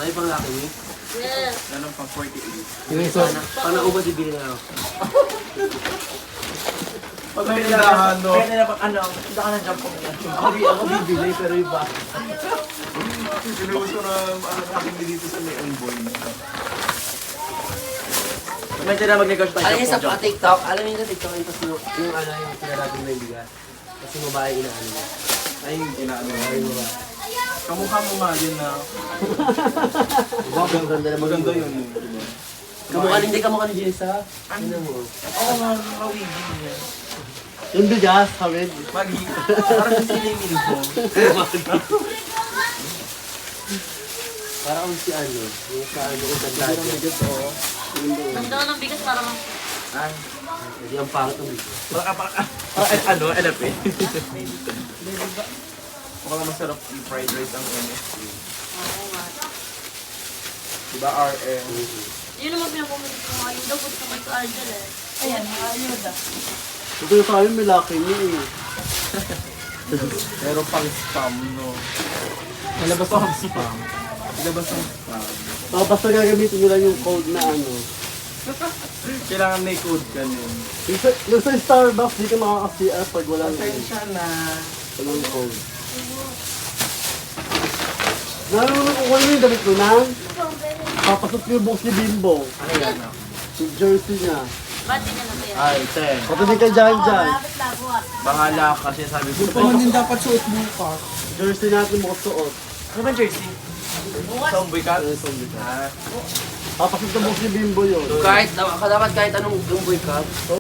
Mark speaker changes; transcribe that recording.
Speaker 1: Ay, pang laki niyo?
Speaker 2: Yes.
Speaker 3: Ano pang 48.
Speaker 1: Yung isa, paano ko ba bibili na ako?
Speaker 3: Pag may ilahan, no?
Speaker 4: Kaya nila pag ano, hindi ka na jump ko na.
Speaker 1: Ako bibili, pero iba.
Speaker 3: Sinuso na akin dito sa Leon Boy.
Speaker 4: Medyo na mag-negosyo tayo.
Speaker 1: Alam niyo sa TikTok, alam niyo sa TikTok, yung ano, yung sinarabing may bigas. Kasi babae inaano niya.
Speaker 3: Ay, inaano.
Speaker 1: Ay, babae.
Speaker 3: Kamukha mo nga yun na.
Speaker 1: Diba, ang ganda naman.
Speaker 3: Maganda yun. Diba?
Speaker 1: Kamukha ni Jessa. Ano mo?
Speaker 3: Oo nga, mawigin niya.
Speaker 1: Yung bigas, hawid.
Speaker 3: Parang siningin ko.
Speaker 1: Parang si ano, yung sa ano, yung ganda
Speaker 3: Parang
Speaker 1: niya.
Speaker 3: bigas, oo.
Speaker 2: Ganda ko ng bigas para
Speaker 3: Ay.
Speaker 1: Hindi ang pangit ng bigas.
Speaker 3: Ano, NFA. Mukhang masarap yung fried rice ang MSG.
Speaker 2: Oo nga.
Speaker 3: Diba RM?
Speaker 2: Yun naman pinapumunit ko nga. Yung daw gusto ko ito Argel eh.
Speaker 4: Ayan, ayuda.
Speaker 1: Ito yung sa amin, may laki niya eh.
Speaker 3: Pero pang spam, no? Malabas ang spam. Malabas ang spam.
Speaker 1: Basta gagamitin nyo lang yung code na ano.
Speaker 3: Kailangan may code ka nun.
Speaker 1: Yung sa Starbucks, di ka makaka-CR pag walang,
Speaker 3: Pasensya na.
Speaker 1: walang code. Nalulunod ko kung ano yung damit ko na. Papasok ko yung box ni Bimbo.
Speaker 3: Ano yan, no?
Speaker 1: Yung jersey niya.
Speaker 2: Ba't di niya na yan?
Speaker 3: Ay, ten.
Speaker 1: Patuloy ka dyan dyan.
Speaker 3: Pangalak kasi sabi ko.
Speaker 4: Ito din dapat suot mo pa.
Speaker 1: Jersey natin mo suot.
Speaker 4: Ano ba jersey?
Speaker 3: Zombie cat?
Speaker 1: Ano yung zombie ka?
Speaker 3: Ah.
Speaker 1: Papasok sa box ni Bimbo yun.
Speaker 5: Kahit, dapat kahit anong boy ka,